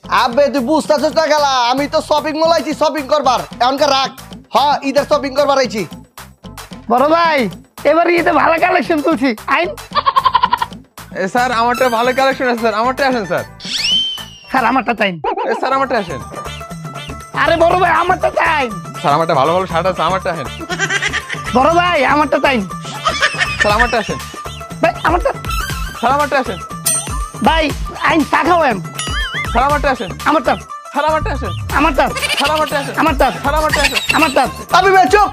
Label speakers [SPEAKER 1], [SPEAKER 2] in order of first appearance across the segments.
[SPEAKER 1] আবে তুই বুঝতেছিস না খেলা, আমি তো শপিং মল আইছি শপিং করবার, এমনকার রাখ। হ্যাঁ ঈদের শপিং করবার আইছি।
[SPEAKER 2] বড় ভাই এবার ঈদে ভালো কালেকশন তুলছি আইন।
[SPEAKER 3] স্যার আমারটা ভালো কালেকশন আছে স্যার, আমারটা আসেন স্যার।
[SPEAKER 2] স্যার আমারটা চাই।
[SPEAKER 3] স্যার আমারটা আসেন।
[SPEAKER 2] আরে বড় ভাই আমারটা চাই।
[SPEAKER 3] স্যার আমারটা ভালো ভালো শার্ট আছে, আমারটা আসেন।
[SPEAKER 2] বড় ভাই আমারটা চাই।
[SPEAKER 3] স্যার আমারটা আসেন।
[SPEAKER 2] ভাই আমারটা।
[SPEAKER 3] স্যার আমারটা আসেন।
[SPEAKER 2] ভাই আইন চা খাওয়াম।
[SPEAKER 3] স্যার আমারটা আসেন।
[SPEAKER 2] আমারটা।
[SPEAKER 3] স্যার আমারটা আসেন।
[SPEAKER 2] আমারটা।
[SPEAKER 3] স্যার আমারটা আসেন।
[SPEAKER 2] আমারটা।
[SPEAKER 3] স্যার আমারটা আসেন।
[SPEAKER 2] আমারটা।
[SPEAKER 1] আমি বে চুপ।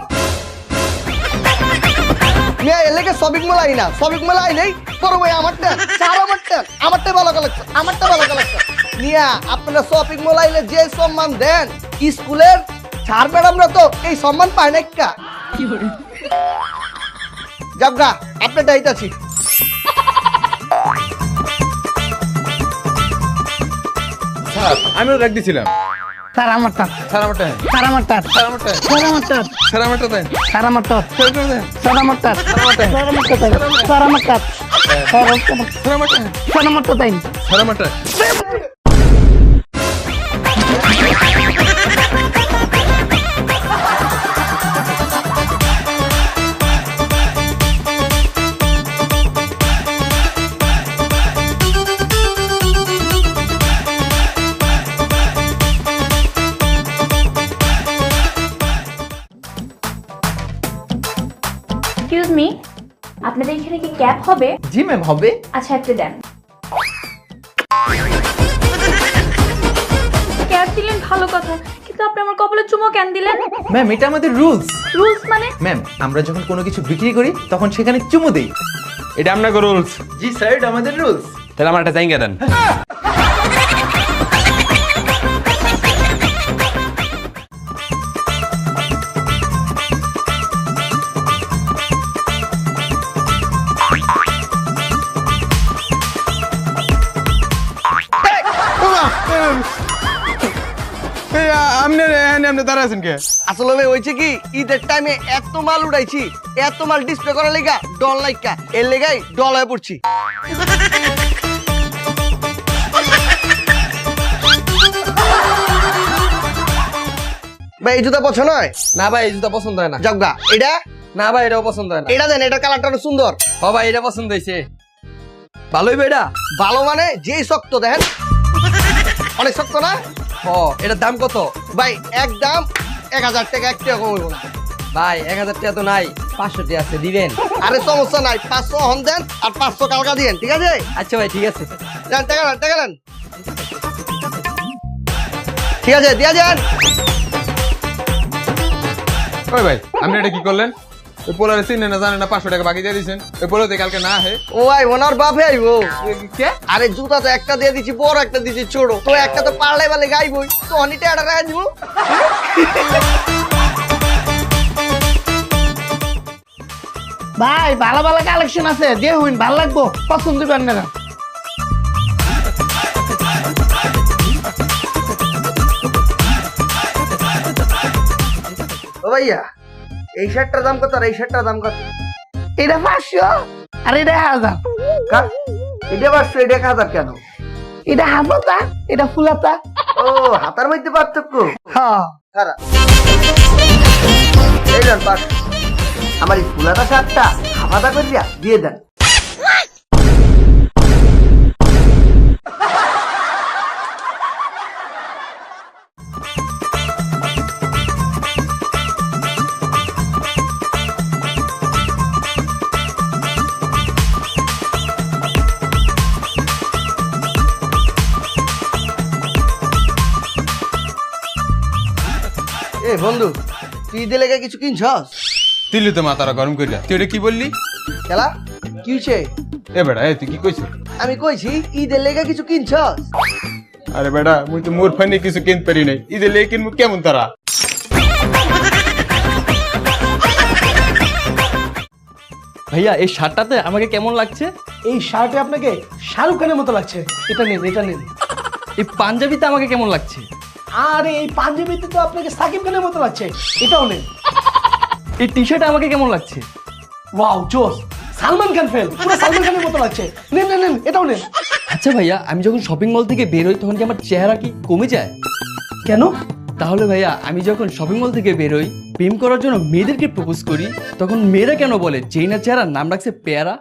[SPEAKER 1] মিয়া এলাকা শপিং মল আই না, শপিং মল আই নেই। বড় ভাই আমারটা, চার আমারটা, আমারটা ভালো কালেকশন, আমারটা ভালো কালেকশন। মিয়া আপনারা শপিং মল আইলে যে সম্মান দেন, স্কুলের স্যার ম্যাডামরা তো এই সম্মান পায় না কা। যাবগা আপনার দায়িত্ব
[SPEAKER 3] স্যার আমিও রাখ দিছিলাম।
[SPEAKER 2] স্যার আমারটা।
[SPEAKER 3] স্যার আমারটা আসেন।
[SPEAKER 2] স্যার আমারটা।
[SPEAKER 3] স্যার আমারটা।
[SPEAKER 2] স্যার আমারটা।
[SPEAKER 3] স্যার আমারটা দেন।
[SPEAKER 2] স্যার আমারটা।
[SPEAKER 3] স্যার দেন।
[SPEAKER 2] স্যার আমারটা। স্যার আমারটা। স্যার আমারটা।
[SPEAKER 3] স্যার আমারটা।
[SPEAKER 2] স্যার আমারটা তাই।
[SPEAKER 3] স্যার আমারটা।
[SPEAKER 4] এক্সকিউজ মি, আপনাদের এখানে কি ক্যাব হবে?
[SPEAKER 5] জি ম্যাম হবে।
[SPEAKER 4] আচ্ছা একটা দেন। ক্যাব দিলেন ভালো কথা, কিন্তু আপনি আমার কপালে চুমো কেন দিলেন?
[SPEAKER 5] ম্যাম এটা আমাদের রুলস।
[SPEAKER 4] রুলস মানে?
[SPEAKER 5] ম্যাম আমরা যখন কোনো কিছু বিক্রি করি তখন সেখানে চুমু দেই।
[SPEAKER 3] এটা আপনাকে রুলস।
[SPEAKER 5] জি স্যার এটা আমাদের রুলস।
[SPEAKER 3] তাহলে আমার একটা চাইঙ্গা দেন। আপনি দাঁড়া আছেন কে?
[SPEAKER 1] আসলে ভাই হয়েছে কি, ঈদের টাইমে এত মাল উড়াইছি, এত মাল ডিসপ্লে করার লেগা ডল লাইকা, এর লেগাই ডল হয়ে পড়ছি। ভাই এই জুতা পছন্দ হয়
[SPEAKER 6] না ভাই এই জুতা পছন্দ হয় না।
[SPEAKER 1] যাবগা। এটা
[SPEAKER 6] না ভাই এটাও পছন্দ হয় না।
[SPEAKER 1] এটা দেন, এটা কালারটা অনেক সুন্দর।
[SPEAKER 6] ও ভাই এটা পছন্দ হয়েছে। ভালোই ভাই এটা।
[SPEAKER 1] ভালো মানে যেই শক্ত দেখেন, অনেক শক্ত না।
[SPEAKER 6] ও এটার দাম কত?
[SPEAKER 1] ভাই একদম 1000 টাকা, 1 টাকা কম হইব না।
[SPEAKER 6] ভাই 1000 টাকা তো নাই, 500 টাকা আছে, দিবেন?
[SPEAKER 1] আরে সমস্যা নাই, 500 হন দেন আর 500 কালকা দিয়েন, ঠিক আছে?
[SPEAKER 6] আচ্ছা ভাই ঠিক আছে।
[SPEAKER 1] দেন টাকা দেন, টাকা দেন। ঠিক আছে দিয়া যান।
[SPEAKER 3] ওই ভাই আপনি এটা কি করলেন? ওই পোলারে চিনে না জানে না 500 টাকা বাকি দিয়ে দিয়েছেন। ওই পোলাতে কালকে না হে।
[SPEAKER 1] ও ভাই ওনার বাপে আইবো।
[SPEAKER 3] কে?
[SPEAKER 1] আরে জুতা তো একটা দিয়ে দিছি, বড় একটা দিছি ছোট, তো একটা তো পারলে বালে গাইবই, তো অনিটা এটা রাখা দিব।
[SPEAKER 2] ভাই ভালো ভালো কালেকশন আছে, যে হইন ভালো লাগবো, পছন্দ করেন না।
[SPEAKER 1] ও ভাইয়া এই শার্টটার দাম কত আর এই শার্টটার দাম কত?
[SPEAKER 2] এটা 500 আর এটা 1000।
[SPEAKER 1] এটা 500, এটা 1000 কেন?
[SPEAKER 2] এটা হাফাতা, এটা ফুলাতা।
[SPEAKER 1] ও হাতার মধ্যে পার্থক্য।
[SPEAKER 2] হ্যাঁ
[SPEAKER 1] খারাপ এই দেন 500। আমার এই ফুলাটা শার্টটা হাফাতা করিয়া দিয়ে দেন। এ বন্ধু তুই দিলে কিছু কিনছস?
[SPEAKER 3] দিল্লি তো মাথারা গরম করিয়া। তুই এটা কি বললি?
[SPEAKER 1] খেলা কি হইছে?
[SPEAKER 3] এ বেটা তুই কি কইছিস?
[SPEAKER 1] আমি কইছি ঈদের লেগে কিছু কিনছস?
[SPEAKER 3] আরে বেটা মুই তো মোর ফানি কিছু কিনতে পারি নাই। ঈদের লেগে কিনবো কেমন তারা?
[SPEAKER 6] ভাইয়া এই শার্টটাতে আমাকে কেমন লাগছে?
[SPEAKER 2] এই শার্টে আপনাকে শাহরুখ খানের মতো লাগছে। এটা নেন, এটা নেন।
[SPEAKER 6] এই পাঞ্জাবিতে আমাকে কেমন লাগছে?
[SPEAKER 2] আরে এই পাঞ্জাবিতে তো আপনাকে সাকিব খানের মতো লাগছে। এটাও নেন।
[SPEAKER 6] এই টি শার্টে আমাকে কেমন লাগছে?
[SPEAKER 2] ওয়াও জোস, সালমান খান ফেল, পুরো সালমান খানের মতো লাগছে। নেন নেন নেন, এটাও নেন।
[SPEAKER 6] আচ্ছা ভাইয়া, আমি যখন শপিং মল থেকে বের হই তখন কি আমার চেহারা কি কমে যায়?
[SPEAKER 2] কেন?
[SPEAKER 6] তাহলে ভাইয়া, আমি যখন শপিং মল থেকে বের হই প্রেম করার জন্য মেয়েদেরকে প্রপোজ করি, তখন মেয়েরা কেন বলে যেই না চেহারা নাম রাখছে পেয়ারা?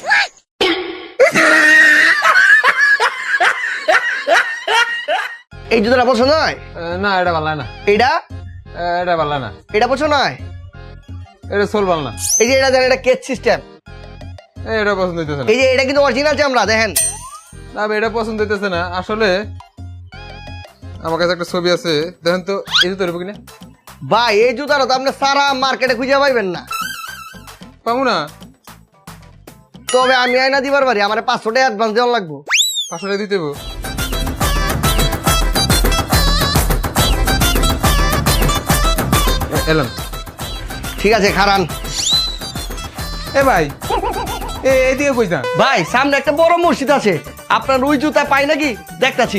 [SPEAKER 1] এই জুতোটা পছন্দ হয়?
[SPEAKER 3] না এটা ভালো না,
[SPEAKER 1] এটা
[SPEAKER 3] এটা ভালো না,
[SPEAKER 1] এটা পছন্দ হয়?
[SPEAKER 3] এটা সোল ভালো না,
[SPEAKER 1] এই যে এটা দেন, এটা কেচ সিস্টেম।
[SPEAKER 3] এটা পছন্দ হইতেছে না।
[SPEAKER 1] এই যে এটা কিন্তু অরিজিনাল চামড়া, দেখেন।
[SPEAKER 3] না ভাই, এটা পছন্দ হইতেছে না। আসলে আমার কাছে একটা ছবি আছে, দেখেন তো এই জুতো নেবো কিনা।
[SPEAKER 1] ভাই এই জুতাটা তো আপনি সারা মার্কেটে খুঁজে পাইবেন না।
[SPEAKER 3] পাবো না?
[SPEAKER 1] তবে আমি আইনা দিবার পারি, আমার 500 টাকা অ্যাডভান্স দেওয়া লাগবো।
[SPEAKER 3] 500 টাকা দিতে হইবো। এলাম।
[SPEAKER 1] ঠিক আছে, খারান।
[SPEAKER 3] এ ভাই, এদিকে কইস না।
[SPEAKER 1] ভাই সামনে একটা বড় মসজিদ আছে, আপনার ওই জুতা পাই নাকি দেখতাছি।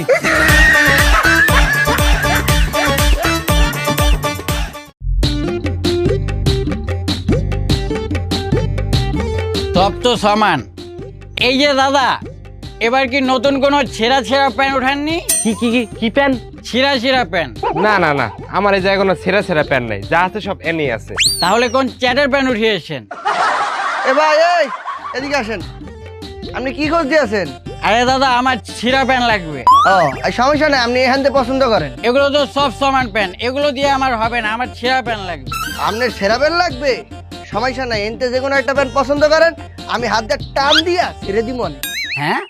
[SPEAKER 7] সব তো সমান। এই যে দাদা, এবার কি নতুন কোনো ছেঁড়া ছেঁড়া প্যান্ট উঠাননি?
[SPEAKER 2] কি প্যান?
[SPEAKER 7] ছিঁড়া ছিঁড়া প্যান্ট?
[SPEAKER 8] না না না, আমার এই জায়গায় কোনো ছেঁড়া ছেঁড়া প্যান্ট নাই, যা আছে সব এনেই আছে।
[SPEAKER 7] তাহলে কোন চ্যাটের প্যান্ট উঠিয়েছেন?
[SPEAKER 1] এ ভাই এই এদিকে আসেন, আপনি কি খোঁজ দিয়েছেন?
[SPEAKER 7] আরে দাদা, আমার ছিঁড়া প্যান্ট লাগবে।
[SPEAKER 1] ও এই সমস্যা নেই, আপনি এখান থেকে পছন্দ করেন।
[SPEAKER 7] এগুলো তো সব সমান প্যান্ট, এগুলো দিয়ে আমার হবে না, আমার ছিঁড়া প্যান্ট লাগবে।
[SPEAKER 1] আপনার সেরা প্যান্ট লাগবে, সমস্যা নাই, এনতে যে কোনো একটা প্যান্ট পছন্দ করেন, আমি হাত দিয়ে টান দিয়া ছেড়ে দিব।
[SPEAKER 7] হ্যাঁ,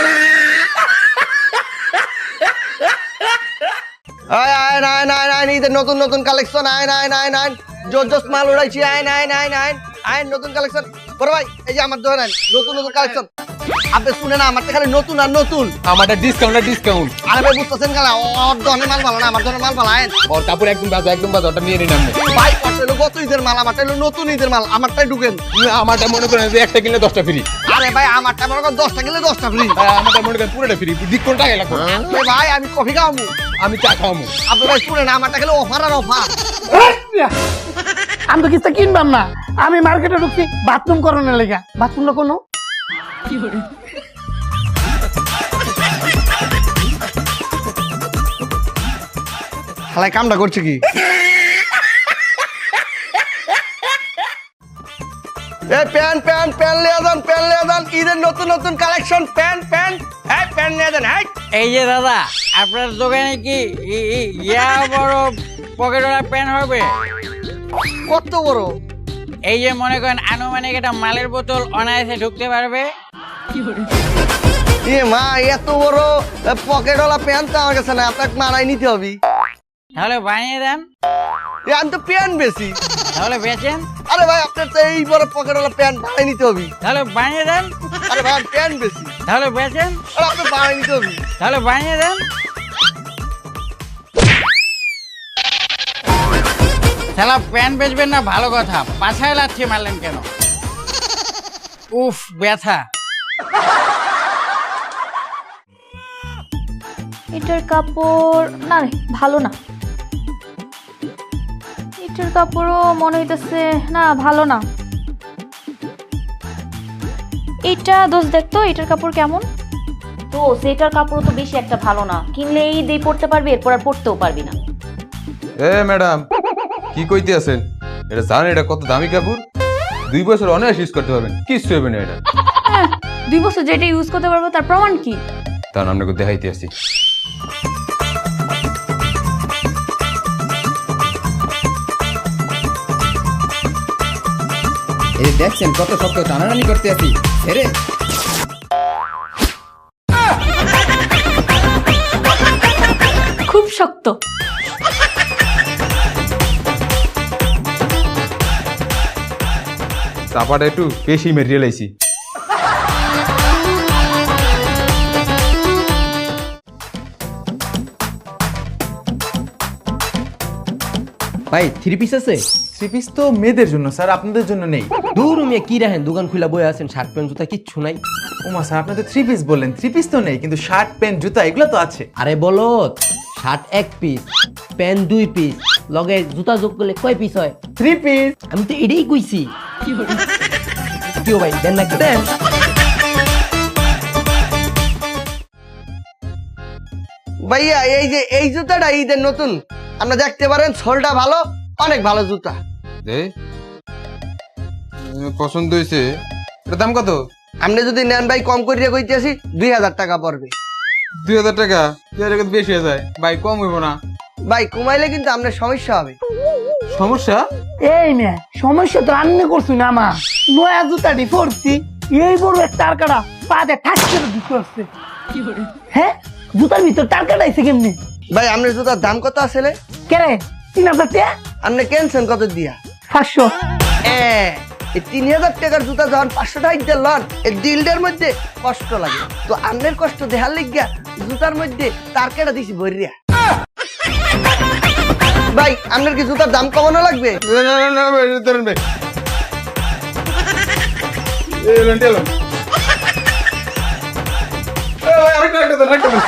[SPEAKER 1] আয় আয় নাইন আয় নাইন, ঈদের নতুন নতুন কালেকশন, আয় নাইন আয় নাইন, জোর জোস মাল উড়াইছি, আয় নাইন আয় নাইন, আয় নতুন কালেকশন। বড় ভাই এই যে আমার ধরেন নতুন নতুন কালেকশন, আপনি শুনে না, আমার তো খালি নতুন আর নতুন।
[SPEAKER 3] আমারটা ডিসকাউন্ট, ডিসকাউন্ট।
[SPEAKER 1] আরে ভাই বুঝতেছেন কেন, ওর ধরনের মাল ভালো না, আমার ধরনের মাল ভালো। আয়
[SPEAKER 3] ওর কাপড় একদম বাজে, একদম বাজে, ওটা নিয়ে নিন আপনি।
[SPEAKER 1] ভাই ওটা হলো গত ঈদের মাল, আমারটা হলো নতুন ঈদের মাল, আমারটাই ঢুকেন।
[SPEAKER 3] আমারটা মনে করেন যে একটা কিনলে 10টা ফ্রি।
[SPEAKER 1] আরে ভাই আমারটা মনে করেন 10টা গেলে 10টা ফ্রি।
[SPEAKER 3] আমারটা মনে করেন পুরোটা ফ্রি, ডিসকাউন্ট টাকা লাগবে।
[SPEAKER 1] ভাই আমি কফি খাওয়াবো,
[SPEAKER 3] আমি চা খাওয়াবো।
[SPEAKER 1] আপনি ভাই শুনেন, আমারটা গেলে অফার আর অফার।
[SPEAKER 2] আমি তো কিছু কিনবাম না, আমি মার্কেটে ঢুকছি বাথরুম করানোর লেগা। বাথরুম না কোনো
[SPEAKER 1] হালাই কামটা করছে কি? প্যান প্যান প্যান লিয়ে যান, প্যান লিয়ে যান, ঈদের নতুন নতুন কালেকশন, প্যান প্যান, হ্যাঁ প্যান নিয়ে যান। হ্যাঁ
[SPEAKER 7] এই যে দাদা, আপনার দোকানে কি ইয়া বড় পকেটওয়ালা প্যান্ট হবে?
[SPEAKER 1] কত বড়?
[SPEAKER 7] এই যে মনে করেন আনুমানিক একটা মালের বোতল অনায়াসে ঢুকতে পারবে।
[SPEAKER 1] এ মা, এত বড় পকেটওয়ালা প্যান্ট তো আমার কাছে না, আপনাকে মানাই নিতে হবে।
[SPEAKER 7] তাহলে বানিয়ে দেন।
[SPEAKER 1] আমি তো প্যান্ট বেশি।
[SPEAKER 7] তাহলে বেচেন।
[SPEAKER 1] আরে ভাই আপনার তো এই বড় পকেটওয়ালা প্যান্ট বানাই নিতে হবে।
[SPEAKER 7] তাহলে বানিয়ে দেন।
[SPEAKER 1] আরে ভাই প্যান্ট বেশি,
[SPEAKER 7] তাহলে বেচেন।
[SPEAKER 1] আরে আপনি বানাই নিতে হবে।
[SPEAKER 7] তাহলে বানিয়ে দেন। শালা প্যান্ট বেচবেন না ভালো কথা, পাছায় লাথি মারলেন কেন? উফ, ব্যথা।
[SPEAKER 4] এটার কাপড় না রে, ভালো না। এটার কাপড়ও মনে হইতেছে না, ভালো না। এটা দোষ দেখতো, এটার কাপড় কেমন?
[SPEAKER 9] তো সেটার কাপড় তো বেশি একটা ভালো না, কিনলে এই দিয়ে পড়তে পারবি, এরপর আর পড়তেও পারবি না।
[SPEAKER 3] এ ম্যাডাম, কি কইতে আছেন? এটা জানেন এটা কত দামি কাপড়? 2 বছর অনায়াস ইউজ করতে পারবেন, কিচ্ছু হবে না এটা।
[SPEAKER 4] 2 বছর যেটা ইউজ করতে পারবো তার প্রমাণ কি?
[SPEAKER 3] তার আপনাকে দেখাইতে আসি।
[SPEAKER 5] এই দেখছেন কত শক্ত টানাটানি করতে আছি রে।
[SPEAKER 4] খুব শক্ত।
[SPEAKER 3] চাপাটা একটু বেশি মেটেরিয়াল আইছি।
[SPEAKER 6] ভাই 3 পিস আছে?
[SPEAKER 5] 3 পিস তো মেয়েদের জন্য স্যার, আপনাদের জন্য নেই।
[SPEAKER 6] দূর মিয়া, কি রাখেন দোকান খুলা বয়ে আছেন, শার্ট প্যান্ট জুতা কিচ্ছু নাই?
[SPEAKER 5] ওমা স্যার, আপনি তো 3 পিস বললেন, 3 পিস তো নেই, কিন্তু শার্ট প্যান্ট জুতা এগুলো তো আছে।
[SPEAKER 6] আরে বলো, শার্ট 1 পিস, প্যান্ট 2 পিস, লগে জুতা যোগ করলে কয় পিস হয়?
[SPEAKER 5] 3 পিস।
[SPEAKER 6] আমি তো এটাই কইছি। কি ভাই দেন না? দেন।
[SPEAKER 1] ভাইয়া এই যে এই জুতাটা ঈদের নতুন, আপনি দেখতে পারেন সোলটা ভালো, অনেক ভালো জুতা।
[SPEAKER 3] দে পছন্দ হয়েছে। এটার দাম কত?
[SPEAKER 1] আপনি যদি নেন ভাই কম করিয়া কইতেছি 2000 টাকা পড়বে।
[SPEAKER 3] 2000 টাকা? 2000 টাকা তো বেশি হয়ে যায় ভাই, কম হইব না?
[SPEAKER 1] ভাই কমাইলে কিন্তু আপনার সমস্যা হবে।
[SPEAKER 3] সমস্যা?
[SPEAKER 2] এই মেয়ে সমস্যা তো আন্নে করছি না আমার নয়া জুতাটি পরছি, এই বড় এক টারকাটা পাতে ঠাস করে দিতে আসছে। হ্যাঁ জুতার ভিতর টারকাটা আইছে কেমনি?
[SPEAKER 1] ভাই আপনার জুতার দাম কত আসলে?
[SPEAKER 2] কেরে 3000 টাকা?
[SPEAKER 1] আপনি কেনছেন কত দিয়া?
[SPEAKER 2] 500।
[SPEAKER 1] এই 3000 টাকার জুতা যখন 500 টাকা দিয়ে লন, এই দিলটার মধ্যে কষ্ট লাগে। তো আপনার কষ্ট দেখার লাগিয়া জুতার মধ্যে তার কেটা দিছি ভরিয়া। ভাই আপনার কি জুতার দাম কমানো লাগবে?
[SPEAKER 3] না না না না ভাই, ধরেন ভাই। এলেন টেলন। ভাই আরেকটা দেন, আরেকটা দেন।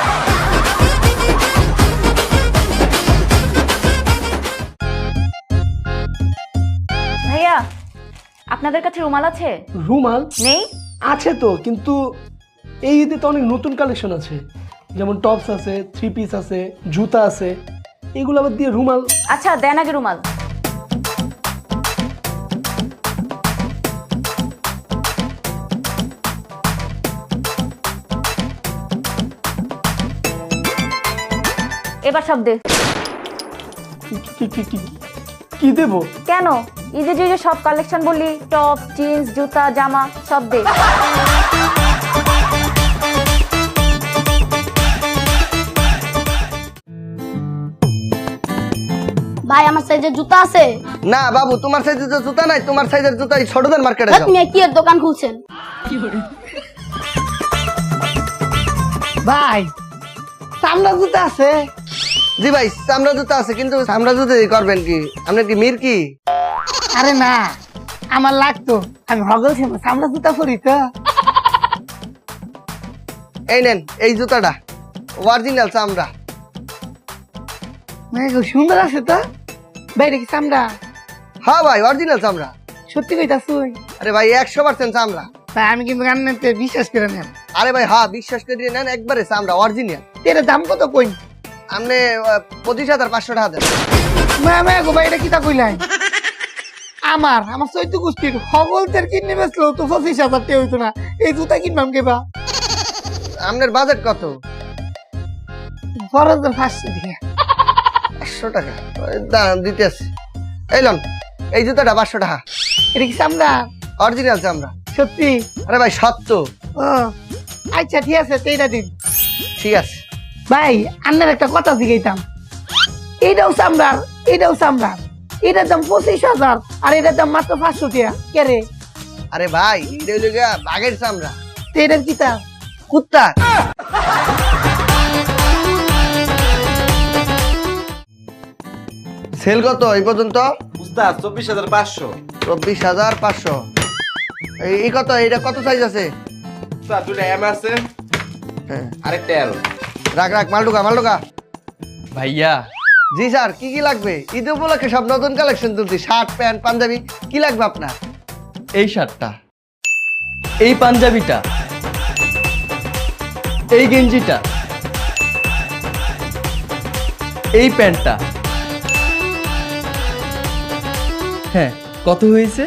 [SPEAKER 9] ভাইয়া আপনাদের কাছে রুমাল আছে?
[SPEAKER 10] রুমাল
[SPEAKER 9] নেই?
[SPEAKER 10] আছে তো, কিন্তু এই ঈদে তো অনেক নতুন কালেকশন আছে, যেমন টপস আছে, 3 পিস আছে, জুতা আছে, এগুলো আবার দিয়ে রুমাল।
[SPEAKER 9] আচ্ছা দেন আগে রুমাল। এবার সব দে।
[SPEAKER 10] কি দেবো?
[SPEAKER 9] কেন ঈদে যে যে সব কালেকশন বললি, টপ, জিন্স, জুতা, জামা সব দে।
[SPEAKER 11] ভাই আমার সাইজের জুতা আছে?
[SPEAKER 1] না বাবু, তোমার সাইজের জুতা নাই, তোমার সাইজের জুতা এই ছোটদের মার্কেটে যাও।
[SPEAKER 11] আপনি কি এর দোকান খুলছেন?
[SPEAKER 2] ভাই চামড়া জুতা আছে?
[SPEAKER 1] জি ভাই চামড়া জুতা আছে, কিন্তু চামড়া জুতা দিয়ে করবেন কি? আপনার কি মির কি?
[SPEAKER 2] আরে না, আমার লাগতো, আমি হগল চামড়া জুতা পরি তো।
[SPEAKER 1] এই নেন এই জুতাটা, অরিজিনাল চামড়া।
[SPEAKER 2] মানে খুব সুন্দর আছে তো। ভাই এটা কি চামড়া?
[SPEAKER 1] হ্যাঁ ভাই অরিজিনাল চামড়া।
[SPEAKER 2] সত্যি কইতাছ?
[SPEAKER 1] আরে ভাই 100% চামড়া।
[SPEAKER 2] ভাই আমি কিন্তু গান্নাতে বিশ্বাস করে নেন।
[SPEAKER 1] আরে ভাই হ্যাঁ বিশ্বাস করে নেন, একবারে চামড়া অরিজিনাল।
[SPEAKER 2] এর দাম কত কই?
[SPEAKER 1] আপনি 25,500 টাকা দেন।
[SPEAKER 2] মামা গো ভাই এটা কিটা কইলাই? আমার চৈত্য গোষ্ঠীর হগলদের কিনে বেচলো তো 25,000 টাকা হইতো না, এই জুতা কিনবাম কেবা?
[SPEAKER 1] আপনার বাজেট কত?
[SPEAKER 2] 4,500 টাকা।
[SPEAKER 1] 500 টাকা দাম দিতে আছে। এই লন এই জুতাটা 500 টাকা।
[SPEAKER 2] এটা কি চামড়া?
[SPEAKER 1] অরিজিনাল চামড়া।
[SPEAKER 2] সত্যি?
[SPEAKER 1] আরে ভাই সত্য।
[SPEAKER 2] ও আচ্ছা ঠিক আছে, এইটা দিন।
[SPEAKER 1] ঠিক আছে
[SPEAKER 2] ভাই আন্নার একটা কথা জিগাইতাম, এইটাও চামড়ার, এইটাও চামড়ার, এটার দাম 25,000 আর এটার দাম মাত্র 500 টাকা কে রে?
[SPEAKER 1] আরে ভাই এটা হইলো গিয়া বাঘের চামড়া।
[SPEAKER 2] তো এটার কি তা?
[SPEAKER 1] কুত্তা। সেল কত এই পর্যন্ত?
[SPEAKER 5] উস্তাদ 24,500।
[SPEAKER 1] 24,500। এই কত? এটা কত সাইজ আছে?
[SPEAKER 5] উস্তাদ দুটো এম আছে,
[SPEAKER 1] হ্যাঁ
[SPEAKER 5] আরেকটা এল।
[SPEAKER 1] রাখ রাখ, মাল ঢোকা।
[SPEAKER 6] ভাইয়া
[SPEAKER 1] জি স্যার, কি কি লাগবে? ঈদ উপলক্ষে সব নতুন কালেকশন তুলছি, শার্ট প্যান্ট পাঞ্জাবি, কি লাগবে আপনার?
[SPEAKER 6] এই শার্টটা, এই পাঞ্জাবিটা, এই গেঞ্জিটা, এই প্যান্টটা। হ্যাঁ কত হয়েছে?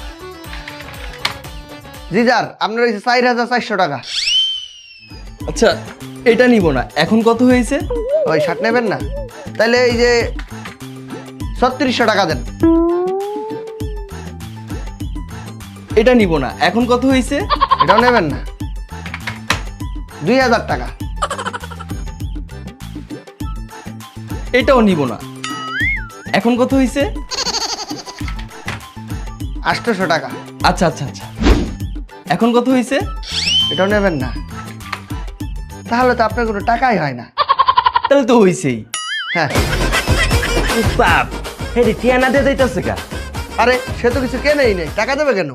[SPEAKER 1] জি স্যার আপনার হয়েছে 4,400 টাকা।
[SPEAKER 6] আচ্ছা এটা নিব না, এখন কত হয়েছে?
[SPEAKER 1] ওই শার্ট নেবেন না? তাহলে এই যে 3600 টাকা দেন।
[SPEAKER 6] এটা নিব না, এখন কত হয়েছে?
[SPEAKER 1] এটাও নেবেন না? 2,000 টাকা।
[SPEAKER 6] এটাও নিব না, এখন কত হয়েছে?
[SPEAKER 1] 800 টাকা।
[SPEAKER 6] আচ্ছা আচ্ছা আচ্ছা, এখন কত হয়েছে?
[SPEAKER 1] এটাও নেবেন না? তাহলে তো আপনার কোনো টাকাই হয় না।
[SPEAKER 6] তাহলে তো হয়েছেই।
[SPEAKER 1] হ্যাঁ
[SPEAKER 8] উস্তাদ হেরি টিয়ানা দিয়ে যাইতেছে কা?
[SPEAKER 1] আরে সে তো কিছু কেনেই নেই, টাকা দেবে কেন?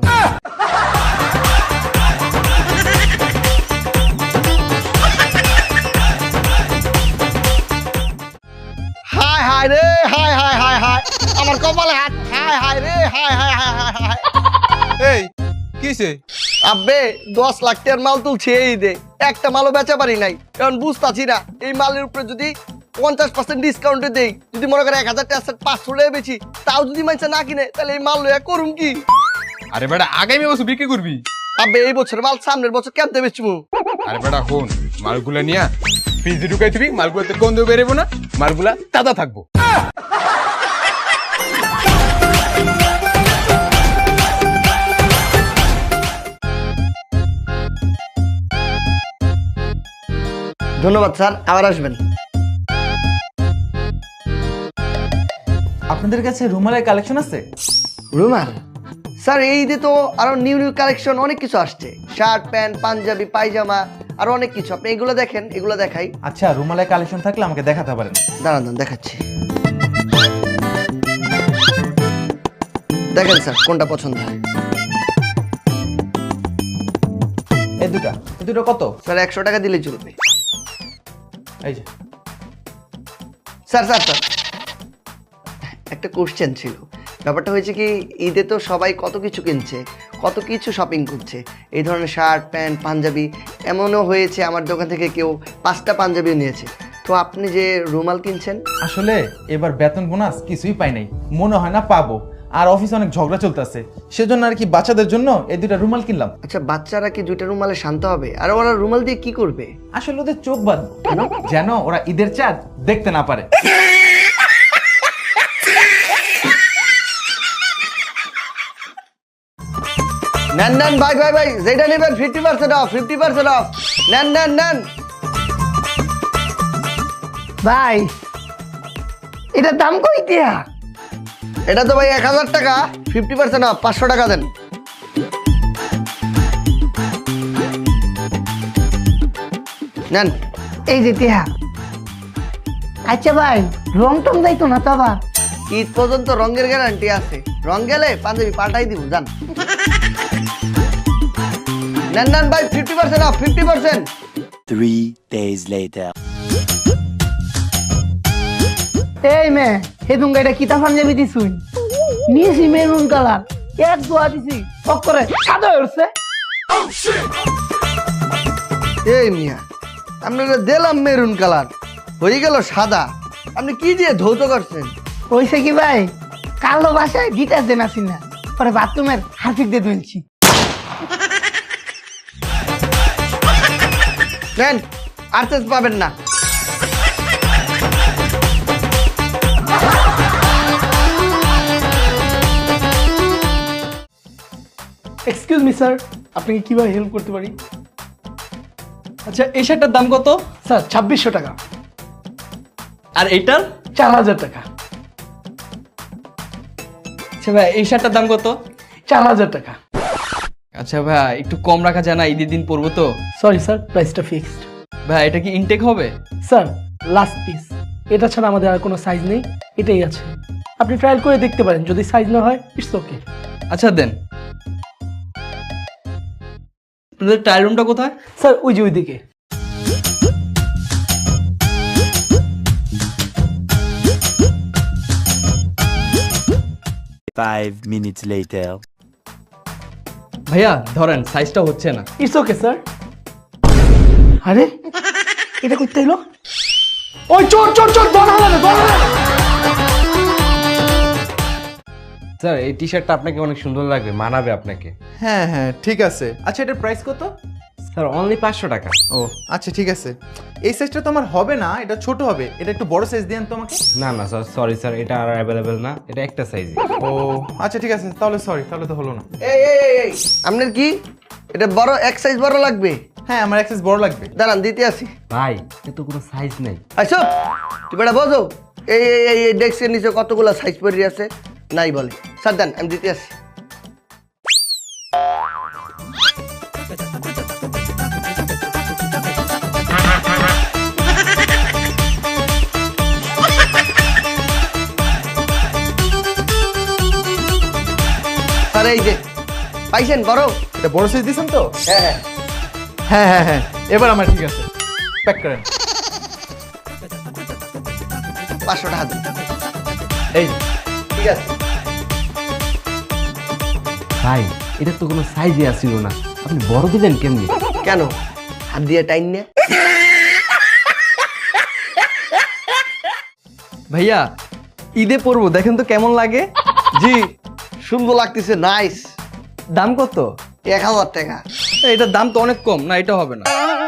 [SPEAKER 1] হায় হায় রে, হায় হায় হায় হায়, আমার কপালে হাত, হায় হায় রে, হায় হায় হায় হায় হায়।
[SPEAKER 3] এই কিছে?
[SPEAKER 1] আব্বে 10 লাখ টাকার মাল তুলছে এই দে, একটা মালও বেচা পারি নাই, কারণ বুঝতাছি না এই মালের উপরে যদি 50% ডিসকাউন্টে দেই, যদি মনে করে 1000 টাকা সেট 500 টাকা বেচি, তাও যদি মানুষ না কিনে, তাহলে এই মাল লইয়া করুম কি?
[SPEAKER 3] আরে বেটা আগামী বছর বিক্রি করবি।
[SPEAKER 1] আবে এই বছর মাল সামনের বছর কেমতে বেচমু?
[SPEAKER 3] আরে বেটা শোন, মালগুলা নিয়া ফ্রিজে ঢুকাই দিবি, মালগুলাতে গন্ধ বেরোবো না, মালগুলা তাজা থাকবো।
[SPEAKER 1] ধন্যবাদ স্যার, আবার আসবেন।
[SPEAKER 5] আপনাদের কাছে রুমালের কালেকশন আছে?
[SPEAKER 1] রুমাল স্যার, এই ঈদে তো আরো নিউ নিউ কালেকশন অনেক কিছু আসছে, শার্ট প্যান্ট পাঞ্জাবি পায়জামা আরো অনেক কিছু। আপনি এগুলো দেখেন, এগুলো দেখাই।
[SPEAKER 5] আচ্ছা, রুমালের কালেকশন থাকলে আমাকে দেখাতে পারেন।
[SPEAKER 1] দাঁড়ান দাঁড়ান, দেখাচ্ছি। দেখেন স্যার কোনটা পছন্দ হয়।
[SPEAKER 5] এই দুটো কত?
[SPEAKER 1] স্যার 100 টাকা দিলে চলবে।
[SPEAKER 5] এই যে
[SPEAKER 1] স্যার স্যার স্যার একটা কোশ্চেন ছিল। ব্যাপারটা হয়েছে কি, ঈদে তো সবাই কত কিছু কিনছে, কত কিছু শপিং করছে, এই ধরনের শার্ট প্যান্ট পাঞ্জাবি। এমনও হয়েছে আমার দোকান থেকে কেউ 5টা পাঞ্জাবিও নিয়েছে। তো আপনি যে রুমাল কিনছেন,
[SPEAKER 5] আসলে এবার বেতন বোনাস কিছুই পাই নাই, মনে হয় না পাবো। আর অফিসে অনেক ঝগড়া চলতেছে, সেজন্য আর কি বাচ্চাদের জন্য এই দুটা রুমাল কিনলাম।
[SPEAKER 1] আচ্ছা বাচ্চারা কি 2টা রুমালে শান্ত হবে? আর ওরা রুমাল দিয়ে কি করবে?
[SPEAKER 5] আসলে ওদের চোখ বাঁধবো, যেন ওরা ঈদের চাঁদ দেখতে না পারে।
[SPEAKER 1] নেন নেন ভাই ভাই ভাই, যেটা নেবেন 50% অফ, 50% অফ। নেন নেন নেন
[SPEAKER 2] ভাই এটার দাম কই দিয়া?
[SPEAKER 1] এটা তো ভাই 1000 টাকা, 50% অফ, 500 টাকা দেন। নেন।
[SPEAKER 2] এই যে টিয়া। আচ্ছা ভাই, রং টং যাইতো না তো আবার?
[SPEAKER 1] ঈদ পর্যন্ত রঙের গ্যারান্টি আছে, রং গেলে পাঞ্জাবি পাল্টাই দিব, যান। নেন নেন ভাই, 50% অফ, 50%।
[SPEAKER 12] 3 days later.
[SPEAKER 2] এই মে হেদুন গাইটা কিতা পাঞ্জাবি দিছুই? নিয়েছি মেরুন কালার, এক দোয়া দিছি সব করে সাদা হয়েছে।
[SPEAKER 1] এই মিয়া, আপনারা দিলাম মেরুন কালার, হয়ে গেল সাদা। আপনি কি দিয়ে ধৌত করছেন?
[SPEAKER 2] হয়েছে কি ভাই, কালো বাসায় গিটার দেন আসি না, পরে বাথরুমের হারপিক দিয়ে ধুলছি।
[SPEAKER 1] নেন, আর চেঞ্জ পাবেন না।
[SPEAKER 10] এক্সকিউজ মি স্যার, আপনাকে কিভাবে হেল্প করতে পারি?
[SPEAKER 6] আচ্ছা এই শার্টটার দাম কত?
[SPEAKER 10] স্যার 2600 টাকা।
[SPEAKER 6] আর এইটার?
[SPEAKER 10] 4000 টাকা।
[SPEAKER 6] আচ্ছা ভাই এই শার্টটার দাম কত?
[SPEAKER 10] 4000 টাকা।
[SPEAKER 6] আচ্ছা ভাই একটু কম রাখা যায় না, ঈদের দিন পরবো তো।
[SPEAKER 10] সরি স্যার, প্রাইসটা ফিক্সড।
[SPEAKER 6] ভাই এটা কি ইনটেক হবে?
[SPEAKER 10] স্যার লাস্ট পিস, এটা ছাড়া আমাদের আর কোনো সাইজ নেই, এটাই আছে। আপনি ট্রায়াল করে দেখতে পারেন, যদি সাইজ না হয় ইটস ওকে।
[SPEAKER 6] আচ্ছা দেন। আপনাদের ট্রায়াল রুমটা কোথায়?
[SPEAKER 10] স্যার ওই যে ওইদিকে।
[SPEAKER 12] Five minutes later.
[SPEAKER 6] ভাইয়া ধরেন সাইজটা হচ্ছে না।
[SPEAKER 10] It's okay sir. আরে এটা করতে এলো? ওই চোর চোর চোর, দল হালাবে দল হালাবে।
[SPEAKER 8] স্যার এই টি শার্টটা আপনাকে অনেক সুন্দর লাগবে, মানাবে আপনাকে।
[SPEAKER 5] হ্যাঁ হ্যাঁ ঠিক আছে। আচ্ছা এটার প্রাইস কত?
[SPEAKER 8] স্যার অনলি 500 টাকা।
[SPEAKER 5] ও আচ্ছা ঠিক আছে। এই সাইজটা তো আমার হবে না, এটা ছোট হবে, এটা একটু বড় সাইজ দেন তো আমাকে।
[SPEAKER 8] না না স্যার, সরি স্যার, এটা আর অ্যাভেলেবেল না, এটা একটা সাইজই।
[SPEAKER 5] ও আচ্ছা ঠিক আছে, তাহলে সরি, তাহলে তো হলো না।
[SPEAKER 1] এই এই এই এই, আপনার কি এটা বড়, এক সাইজ বড় লাগবে?
[SPEAKER 5] হ্যাঁ আমার এক সাইজ বড় লাগবে।
[SPEAKER 1] দাঁড়ান দিতে আসি।
[SPEAKER 8] ভাই এত কোনো সাইজ নেই।
[SPEAKER 1] আচ্ছা তুই বেটা বোঝো, এই এই এই ডেস্কের নিচে কতগুলো সাইজ পড়ে আছে, নাই বলে। স্যার দেন, আমি দিতে আসি। স্যার এই যে পাইছেন বড়?
[SPEAKER 5] এটা বড় সাইজ দিছেন তো?
[SPEAKER 1] হ্যাঁ হ্যাঁ
[SPEAKER 5] হ্যাঁ হ্যাঁ হ্যাঁ, এবার আমার ঠিক আছে, প্যাক করেন।
[SPEAKER 1] 500 টাকা দিন।
[SPEAKER 5] এই
[SPEAKER 1] ঠিক আছে।
[SPEAKER 8] ভাই এটা তো কোনো সাইজই আসছিল না, আপনি বড় দিলেন কেমনি?
[SPEAKER 1] কেন হাত দিয়ে টাইন নে।
[SPEAKER 6] ভাইয়া ঈদে পরবো, দেখেন তো কেমন লাগে।
[SPEAKER 1] জি সুন্দর লাগতেছে, নাইস।
[SPEAKER 6] দাম কত?
[SPEAKER 1] 1000 টাকা।
[SPEAKER 6] এটার দাম তো অনেক কম, না এটা হবে না।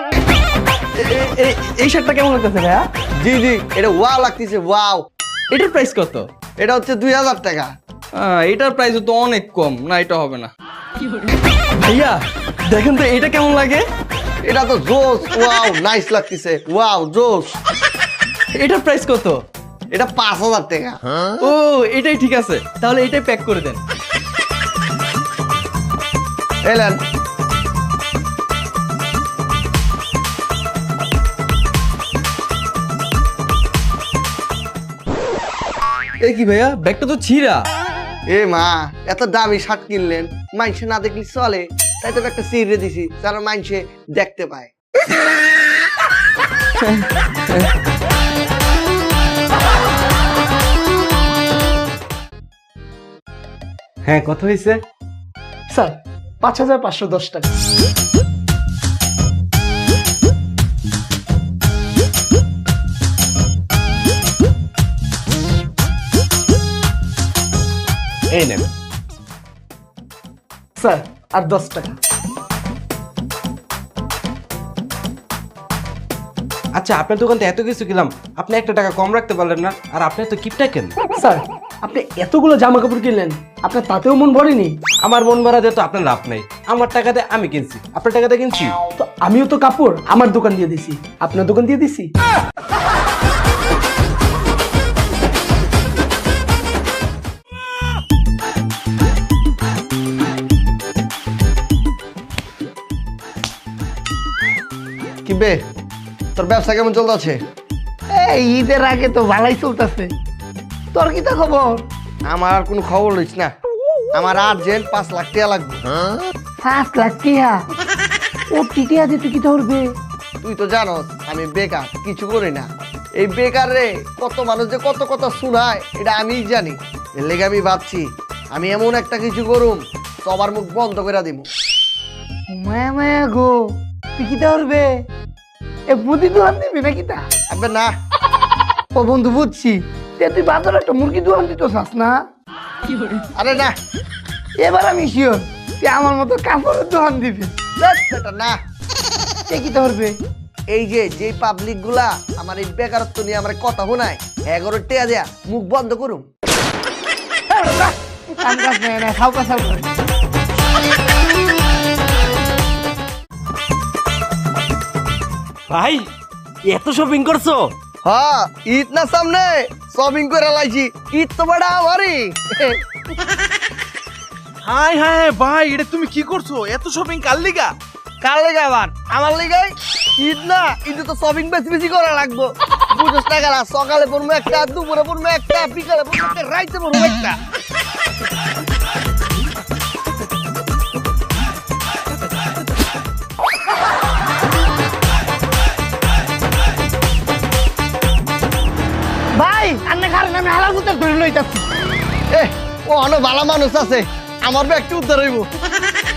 [SPEAKER 6] এই শার্টটা কেমন লাগতেছে ভাইয়া?
[SPEAKER 1] জি জি এটা ওয়াও লাগতেছে, ওয়াও।
[SPEAKER 6] এটার প্রাইস কত?
[SPEAKER 1] এটা হচ্ছে 2000 টাকা।
[SPEAKER 6] এটার প্রাইস তো অনেক কম, না এটা হবে না। ভাইয়া দেখেন তো এটা কেমন লাগে।
[SPEAKER 1] এটা তো জোস, ওয়াও নাইস লাগতেছে, ওয়াও জোস।
[SPEAKER 6] এটার প্রাইস কত?
[SPEAKER 1] এটা 5000 টাকা।
[SPEAKER 6] ও এটাই ঠিক আছে, তাহলে এটাই প্যাক করে দেন।
[SPEAKER 1] এলেন।
[SPEAKER 6] এ কি ভাইয়া, ব্যাগটা তো ছিঁড়া।
[SPEAKER 1] এ মা, এত দামি শার্ট কিনলেন, মাইনসে না দেখলি চলে, তাই তো একটা চিড়ে দিছি যারা মাইনসে দেখতে পায়।
[SPEAKER 8] হ্যাঁ কত হয়েছে?
[SPEAKER 10] স্যার 5510 টাকা।
[SPEAKER 8] এই নেন।
[SPEAKER 10] স্যার আর 10 টাকা।
[SPEAKER 8] আচ্ছা আপনার দোকান থেকে এত কিছু কিনলাম, আপনি 1 টাকা কম রাখতে পারলেন না? আর আপনি তো কিপটা কেন?
[SPEAKER 10] স্যার আপনি এতগুলো জামা কাপড় কিনলেন, আপনার তাতেও মন ভরেনি?
[SPEAKER 8] আমার মন ভরা দিয়ে তো আপনার লাভ নাই। আমার টাকাতে আমি কিনছি, আপনার টাকাতে কিনছি।
[SPEAKER 10] তো আমিও তো কাপড় আমার দোকান দিয়ে দিছি, আপনার দোকান দিয়ে দিছি।
[SPEAKER 1] কি বে, তোর ব্যবসা কেমন চলতেছে?
[SPEAKER 2] এই ঈদের আগে তো ভালোই চলতেছে, তোর কি তা খবর?
[SPEAKER 1] আমার আর কোনো খবর লইস না, আমার আর্জেন্ট 5 লাখ টাকা লাগবে।
[SPEAKER 2] 5 লাখ টাকা? ও টিটিয়া দিতে কি ধরবে?
[SPEAKER 1] তুই তো জানোস আমি বেকার, কিছু করি না। এই বেকার রে কত মানুষ যে কত কথা শুনায় এটা আমিই জানি। এর লেগে আমি ভাবছি আমি এমন একটা কিছু করুম সবার মুখ বন্ধ করে দিব।
[SPEAKER 2] মায়া মায়া গো, তুই কি ধরবে? এ মুদি দোকান দিবি নাকি তা?
[SPEAKER 1] আবে না।
[SPEAKER 2] ও বন্ধু বুঝছি, তুই বাজারে একটা মুরগি দোকান দিতে চাস না?
[SPEAKER 1] আরে না,
[SPEAKER 2] এবার আমি শিওর তুই আমার মতো কাপড়ের দোকান দিবি।
[SPEAKER 1] না
[SPEAKER 2] কে কি ধরবে?
[SPEAKER 1] এই যে পাবলিক গুলা আমার এই বেকারত্ব নিয়ে আমার কথা শোনায়, 11 টাকা দেয়া মুখ বন্ধ করুম।
[SPEAKER 8] ভাই এত শপিং করছো?
[SPEAKER 1] হ্যাঁ ঈদ না সামনে, শপিং করে লাইছি। ঈদ তো বড় আমারই।
[SPEAKER 5] হাই হাই ভাই, এটা তুমি কি করছো? এত শপিং কার লিগা?
[SPEAKER 1] কার লেগে আবার? আমার লেগে। ঈদ না, ঈদে তো শপিং বেশি বেশি করা লাগবো। বুঝোস না গেলা, সকালে পড়বো একটা, দুপুরে পড়বো একটা, বিকালে পড়বো একটা, রাইতে পড়বো একটা।
[SPEAKER 2] ভাই আন্নে কারণে আমি হালাল কুত্তার ধরে লইতাছি।
[SPEAKER 1] ও অনেক ভালো মানুষ আছে, আমার ব্যাগটি উদ্ধার হইব।